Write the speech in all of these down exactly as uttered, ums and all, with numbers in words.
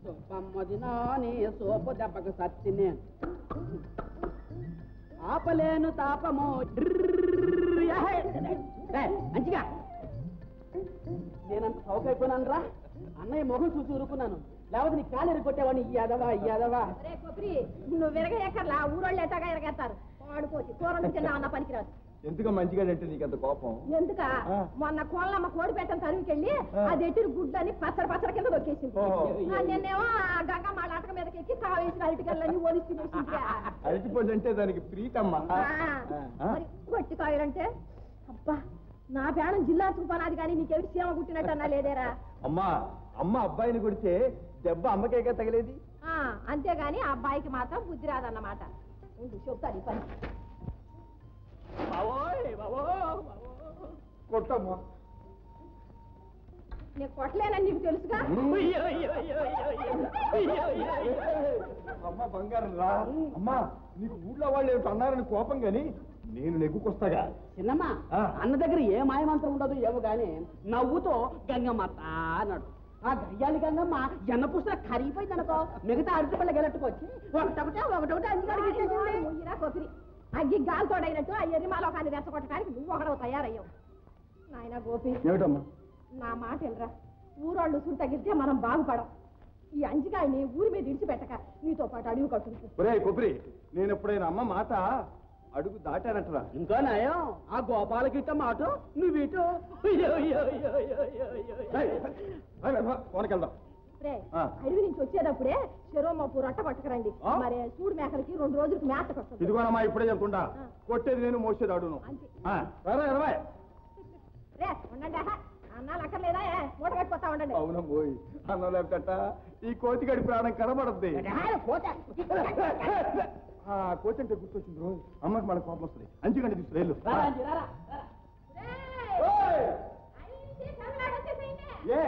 సొప్పమ్మది నాని సోపు దెబ్బకు సత్తి నేను ఆపలేను తాపము మంచిగా నేనంత సౌకైపోయినాను రా అన్నయ్య మొహం చూసి ఊరుకున్నాను లేకపోతే నీ కాలు ఎరగొట్టేవాడిని ఈ యాదవా ఈ యాదవా నువ్వు విరగ ఎక్కర్లా ఊరోళ్ళు ఎట్టగా ఎరగేస్తారు వాడుకోవచ్చు కూరలు తిన్నా అన్న పనికిరాదు ఎందుకు మంచిగా అంటే నీకంత కోపం ఎందుక మొన్న కోళ్ళమ్మ కోడి పెట్టని తరువుకెళ్ళి అది ఎట్టిన గుడ్లని పచ్చడి పచ్చడి కింద దొక్కేసింది నేనేమో గంగమ్మ ఆటక మీదకి ఎక్కి కావేసిన అరటికల్లని ఒలిచి అరటిపళ్ళు అంటే దానికి ప్రీతమ్మా మరి గట్టి కాయలంటే అబ్బా నా పేడం జిల్లా చూపనాది కానీ నీకెవరి సీమ కుట్టినట్టు అన్నా లేదేరా అమ్మా అమ్మ అబ్బాయిని కొడితే దెబ్బ అమ్మకేగా తగిలేది అంతేగాని ఆ అబ్బాయికి మాత్రం బుద్ధి రాదన్నమాట ఉండు చెప్తాను ఈ పని కొట్టమ్మా నేను కొట్టలేనని నీకు తెలుసుగా అమ్మ బంగారం రా అమ్మా నీకు ఊళ్ళో వాళ్ళు ఏమిటి అన్నారని కోపం గాని నేను నెగ్గుకొస్తాగా చిన్నమ్మ అన్న దగ్గర ఏ మాయమంత్రం ఉండదు ఏమో గాని నవ్వుతో గంగమ్మ అన్నాడు ఆ గయ్యాలి గంగమ్మ ఎన్న పుస్తక కరిగిపోయింది అనుకో మిగతా అరటి పళ్ళ గెలట్టుకొచ్చి ఒకటొకటే ఒకటొకటి అంజీరా కొబ్బరి అగ్గి గాలితోడైనట్టు ఆ ఎరిమాలో కానీ రెచ్చగొట్టడానికి నువ్వు ఒకడవు తయారయ్యావు నాయన గోపి నా మాట వెళ్ళరా ఊరోళ్ళు సురు తగిలితే మనం బాగుపడం ఈ అంజిగాయని ఊరి మీద ఇడిచిపెట్టక నీతో పాటు అడుగు కట్టుకుంటు కొబ్బరి నేను ఎప్పుడైనా అమ్మ మాట అడుగు దాటానట్రా ఇంకా నయం ఆ గోపాలకిట్ట మాట నువ్విటు వెళ్దాం అడవి నుంచి వచ్చేటప్పుడే చెరోమప్పు రొట్ట పట్టుకురండి మరి సూడు మేకలకి రెండు రోజులకి మేత కొట్టదు ఇదిగోనమ్మా ఇప్పుడే చెప్తుంటా కొట్టేది నేను మోసేది అడుగును రే ఉండండి అన్నాలు అక్కర్లేదా మూట కట్టిపోతా ఉండండి అవును పోయి అన్నం లేకట ఈ కోతిగడి ప్రాణం కనబడద్ది కోతి అంటే గుర్తొచ్చింది రోజు అమ్మకి మన కోపం వస్తుంది అంచుకంటే తీసుకురేళ్ళు ఏ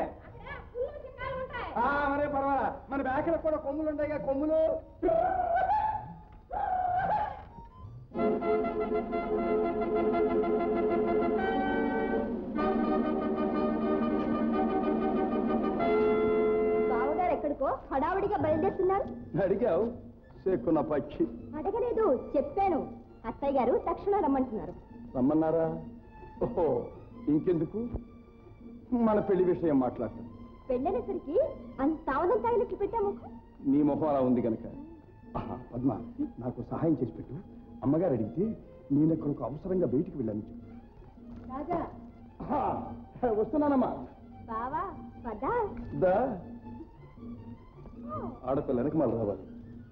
మరే పర్వాలా మన బ్యాకలకు కూడా కొమ్ములు ఉంటాయి కదా కొమ్ములు బావగారు ఎక్కడికో హడావుడిగా బయలుదేరుతున్నారు అడిగావు సేకున్న పక్షి అడగలేదు చెప్పాను అత్తయ్య గారు తక్షణం రమ్మంటున్నారు రమ్మన్నారా ఓహో ఇంకెందుకు మన పెళ్లి విషయం మాట్లాడతాం పెళ్ళనేసరికి అంత తావదం తాగినట్లు పెట్టాము నీ మొహం అలా ఉంది కనుక పద్మ నాకు సహాయం చేసి పెట్టు అమ్మగారు అడిగితే నేను ఎక్కడికి అవసరంగా బయటికి వెళ్ళాను రాజా వస్తున్నానమ్మా బావా పదా దా ఆడపిల్ల వెనక మళ్ళీ రావాలి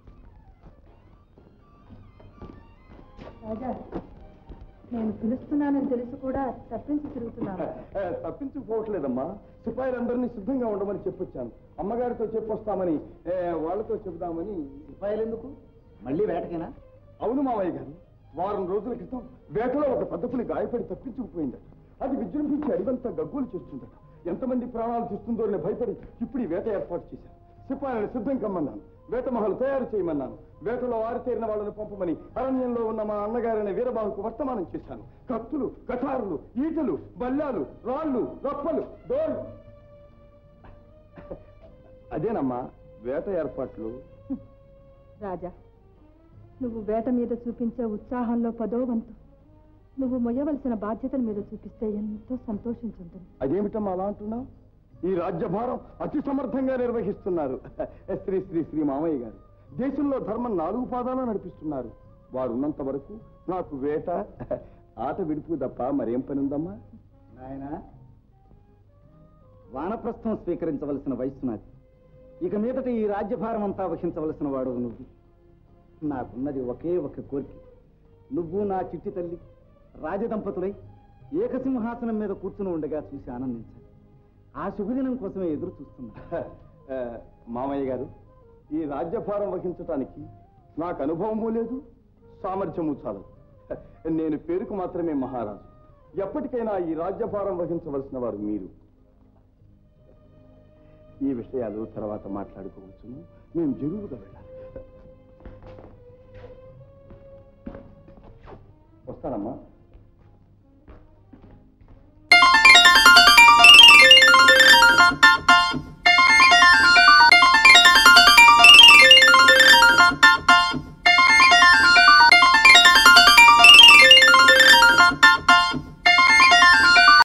రాజా నేను పిలుస్తున్నానని తెలిసి కూడా తప్పించి తిరుగుతున్నాను తప్పించుకోవట్లేదమ్మా సిపాయిలందరినీ సిద్ధంగా ఉండమని చెప్పొచ్చాను అమ్మగారితో చెప్పొస్తామని వాళ్ళతో చెబుదామని సిపాయిలు ఎందుకు మళ్ళీ వేటకేనా అవును మావయ్య గారు వారం రోజుల క్రితం వేటలో ఒక పెద్ద పులి గాయపడి తప్పించుకుపోయిందట అది విజృంభించి అడివంతా గగ్గోలు చేస్తుందట ఎంతమంది ప్రాణాలు తీస్తుందో అని భయపడి ఇప్పుడు ఈ వేట ఏర్పాటు చేశాను సిపాయిలను సిద్ధం కమ్మన్నాను వేట మహలు తయారు చేయమన్నాను వేటలో ఆరితేరిన వాళ్ళని పంపమని అరణ్యంలో ఉన్న మా అన్నగారైన వీరబాహుకు వర్తమానం చేశాను కత్తులు కఠారులు ఈటలు బల్లాలు రాళ్ళు రప్పలు డోర్లు అదేనమ్మా వేట ఏర్పాట్లు రాజా నువ్వు వేట మీద చూపించే ఉత్సాహంలో పదో వంతు నువ్వు మొయ్యవలసిన బాధ్యతల మీద చూపిస్తే ఎంతో సంతోషించుంటుంది అదేమిటమ్మా అలా అంటున్నావు ఈ రాజ్యభారం అతి సమర్థంగా నిర్వహిస్తున్నారు శ్రీ శ్రీ శ్రీ మామయ్య గారు దేశంలో ధర్మం నాలుగు పాదాలు నడిపిస్తున్నారు వారు ఉన్నంత వరకు నాకు వేట ఆట విడుపు తప్ప మరేం పని ఉందమ్మా నాయన వానప్రస్థం స్వీకరించవలసిన వయస్సు నాది ఇక మీదట ఈ రాజ్యభారం అంతా వహించవలసిన వాడు నువ్వు నాకున్నది ఒకే ఒక కోరిక నువ్వు నా చిట్టి తల్లి రాజదంపతులై ఏకసింహాసనం మీద కూర్చుని ఉండగా చూసి ఆనందించాలి ఆ శుభదినం కోసమే ఎదురు చూస్తున్నా మామయ్య గారు ఈ రాజ్యభారం వహించటానికి నాకు అనుభవము లేదు సామర్థ్యము చాలదు నేను పేరుకు మాత్రమే మహారాజు ఎప్పటికైనా ఈ రాజ్యభారం వహించవలసిన వారు మీరు ఈ విషయాలు తర్వాత మాట్లాడుకోవచ్చును మేము జరువుగా వెళ్ళాలి వస్తానమ్మా